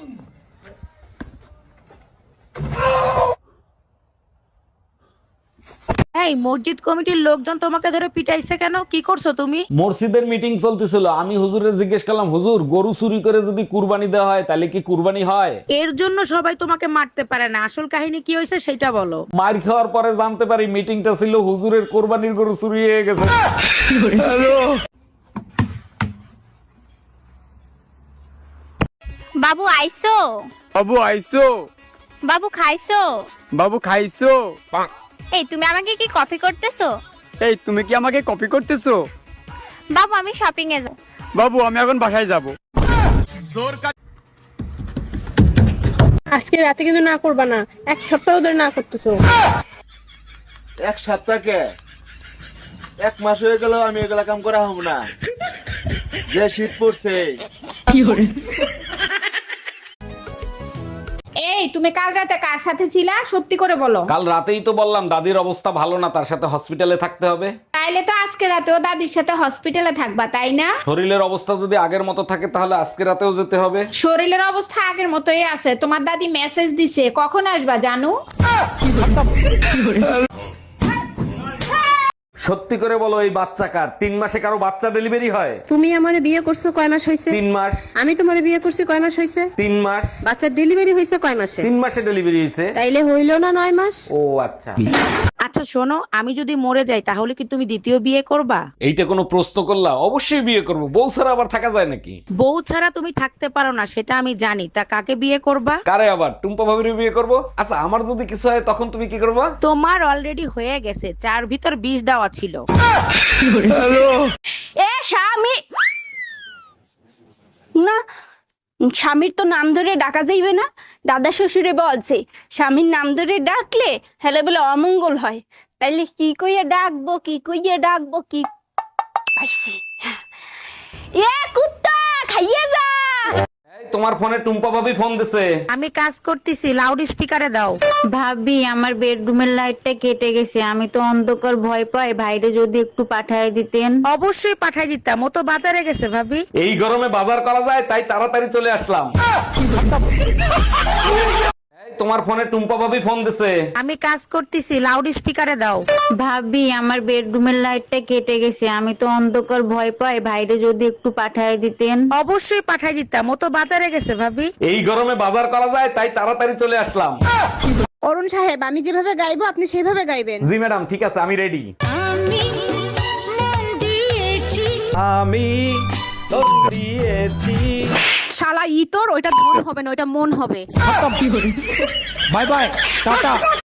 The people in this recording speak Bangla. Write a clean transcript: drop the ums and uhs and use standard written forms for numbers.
এই মসজিদ কমিটির লোকজন তোমাকে ধরে পিটাইছে কেন? কি করছো তুমি? মসজিদের মিটিং চলতেছিল, আমি হুজুরে জিজ্ঞেস করলাম, হুজুর গরু চুরি করে যদি কুরবানি দেওয়া হয় তাহলে কি কুরবানি হয়? এর জন্য সবাই তোমাকে মারতে পারে না, আসল কাহিনী কি হয়েছে সেটা বলো। মার খাওয়ার পরে জানতে পারি মিটিংটা ছিল হুজুরের কোরবানির গরু চুরি হয়ে গেছে। বাবু আইসো? বাবু আইসো? বাবু খাইছো? বাবু খাইছো? এই তুমি আমাকে কি কপি করতেছো? এই তুমি কি আমাকে কপি করতেছো? বাবু আমি শপিং এ যাব। বাবু আমি এখন বাসায় যাব। আজকে রাতে কিন্তু না করবা না, এক সপ্তাহ ধরে না করতেছো। এক সপ্তাহ কে? এক মাস হয়ে গেল আমি এগুলা কাম করা হব না। যে শীত পড়ছে। এই তুমি কাল রাতে কার সাথে ছিলা, সত্যি করে বলো। কাল রাতেই তো বললাম দাদির অবস্থা ভালো না, তার সাথে হসপিটালে থাকতে হবে। তাইলে তো আজকে রাতেও দাদির সাথে হসপিটালে থাকবা, তাই না? শরীরের অবস্থা যদি আগের মতো থাকে তাহলে আজকে রাতেও যেতে হবে। শরীরের অবস্থা আগের মতোই আছে। তোমার দাদি মেসেজ দিছে, কখন আসবা জানু? সত্যি করে বলো, এই বাচ্চা কার? 3 মাসে কারো বাচ্চা ডেলিভারি হয়? তুমি আমারে বিয়ে করছো কয় মাস হয়েছে? 3 মাস। আমি তোমারে বিয়ে করছি কয় মাস হয়েছে? 3 মাস। বাচ্চার ডেলিভারি হয়েছে কয় মাসে? 3 মাসে ডেলিভারি হয়েছে। তাইলে হইল না 9 মাস? ও আচ্ছা। আচ্ছা শোনো, আমি যদি মরে যাই তাহলে কি তুমি দ্বিতীয় বিয়ে করবা? এইটা কোনো প্রশ্ন করলা? অবশ্যই বিয়ে করব, বউ ছাড়া আবার থাকা যায় নাকি? বউ ছাড়া তুমি থাকতে পারো না সেটা আমি জানি, তা কাকে বিয়ে করবা? কারে আবার? টুম্পা ভাবির বিয়ে করব। আচ্ছা আমার যদি কিছু হয় তখন তুমি কি করবা? তোমার অলরেডি হয়ে গেছে, 4 ভিতর 20 দেওয়া ছিল। এ স্বামী না, স্বামীর তো নাম ধরে ডাকা যাইবে না। দাদা শ্বশুরে বলছে স্বামীর নাম ধরে ডাকলে হেলে বলে অমঙ্গল হয়। তাইলে কি কইয়া ডাকবো, কি কইয়া ডাকবো, কি পাইছি। এ কুত্তা খাইয়ে যা। এই তোমার ফোনে টুম্পা ভাবি ফোন দিছে। আমি কাজ করতেছি, লাউড স্পিকারে দাও। ভাবি আমার বেডরুমের লাইটটা কেটে গেছে, আমি তো অন্ধকার ভয় পাই, ভাইরে যদি একটু পাঠায় দিতেন। অবশ্যই পাঠাই দিতাম, ও তো বাজারে গেছে ভাবি। এই গরমে বাজার করা যায় তাই তাড়াতাড়ি চলে আসলাম। এই তোমার ফোনে টুম্পা ভাবি ফোন দিছে। আমি কাজ করতেছি, লাউড স্পিকারে দাও। ভাবি আমার বেডরুমের লাইটটা কেটে গেছে, আমি তো অন্ধকার ভয় পাই, ভাইরে যদি একটু পাঠায় দিতেন। অবশ্যই পাঠাই দিতাম, ও তো বাজারে গেছে ভাবি। এই গরমে বাজার করা যায় তাই তাড়াতাড়ি চলে আসলাম। অরুণ সাহেব, আমি যেভাবে গাইবো আপনি সেভাবে গাইবেন। জি ম্যাডাম, ঠিক আছে, আমি রেডি। আমি মন দিয়েছি। শালা ইতর, ওইটা ধন হবে না, ওইটা মন হবে। Bye bye, tata.